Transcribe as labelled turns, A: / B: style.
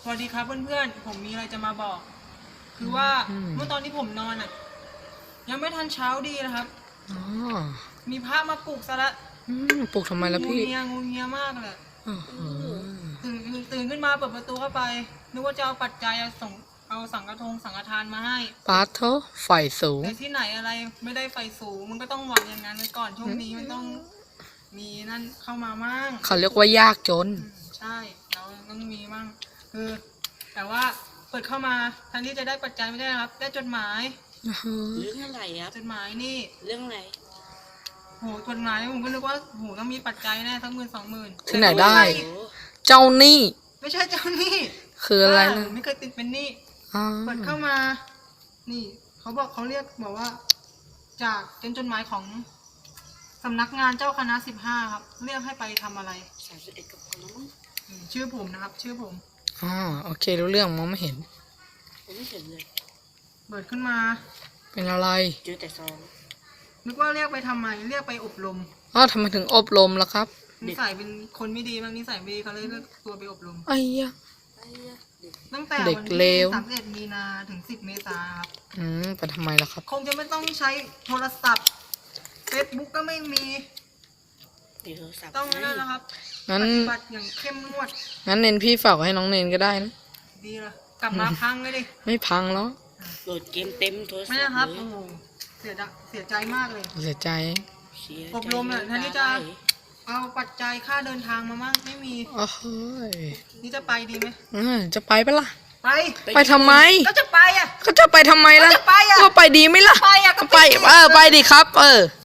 A: สวัสดีครับเพื่อนๆผมมีอะไรจะมาบอกคือว่าเมื่อตอนที่ผมนอนอ่ะยังไม่ทันเช้าดีนะครับ
B: อ๋อ
A: มีพระมาปลุกซะละ
B: ปลุกทำไมล่ะพี่
A: งูเงียมากเลย
B: อ๋อ
A: ตื่นขึ้นมาเปิดประตูเข้าไปนึกว่าจะเอาปัจจัยเอาสังฆทานมาให้
B: ปาโถไฟสูง
A: แต่ที่ไหนอะไรไม่ได้ไฟสูงมันก็ต้องหวังอย่างนั้นไว้ก่อนช่วงนี้มันต้องมีนั่นเข้ามามั่ง
B: เขาเรียกว่ายากจน
A: ใช่เราต้องมีมั่งคือแต่ว่าเปิดเข้ามาแทนที่จะได้ปัจจัยไม่ได้นะครับได้จดหมาย
C: เรื่องอะไรครับ
A: จดหมายนี่
C: เรื่องอะไร
A: โหจดหมายผมก็นึกว่าโหต้องมีปัจจัยแน่สัก10,000 20,000
B: ที่ไหนได้เจ้าหนี้
A: ไม่ใช่เจ้าหนี้
B: คืออะไรนะ
A: ไม่เคยติดเป็นหนี้เปิดเข้ามานี่เขาบอกว่าจากเป็นจดหมายของสำนักงานเจ้าคณะ15ครับเรียกให้ไปทำอะไร
C: 31กับคนมั้ง
A: ชื่อผมนะครับชื่อผม
B: อ๋อโอเครู้เรื่องมองไม่เห็น
C: ผมไม่เห็นเลย
A: เปิดขึ้นมา
B: เป็นอะไร
C: เจอแต่ซอง
A: นึกว่าเรียกไปทำไมเรียกไปอบรม
B: อ๋อทำไมถึงอบรมล่ะครับ
A: นิสัยเป็นคนไม่ดีบางนิสัยไม่ดีเขาเลยเรียกตัวไปอบรม
B: ไอ้ยะ
A: ตั้งแต่วันที่31 มีนาถึง10 เมษายนครับ
B: ไปทำไมล่ะครับ
A: คงจะไม่ต้องใช้โทรศัพท์เฟซบุ๊กก็ไม่มีต้องนั่นนะครับ
B: งั้น
A: ปฏิบัติอย่างเข้มงวด
B: งั้นเนนพี่ฝากให้น้องเนนก็ได้นะ
A: ดีละกลับมาพังเลยดิ
B: ไม่พังแล้ว
C: โหลดเกมเต็มโทรศัพท์
A: ไม่นะครับโอ้โหเสียใจมากเลย
B: เสียใจ
A: อบรมอ่ะท่านนี่จะเอาปัจจัยค่าเดินทางมามั่งไม่มี
B: โอ้โห
A: นี่จะไปดีไหม
B: จะไปปะล่ะ
A: ไป
B: ทำไม
A: ก็จะไปอ่ะ
B: ก็จะไปทำไมล่ะ
A: ก็จะไปอ่ะ
B: ก็ไปดีไหมล่ะ
A: ไปอ่ะก็
B: ไปไปดิครับ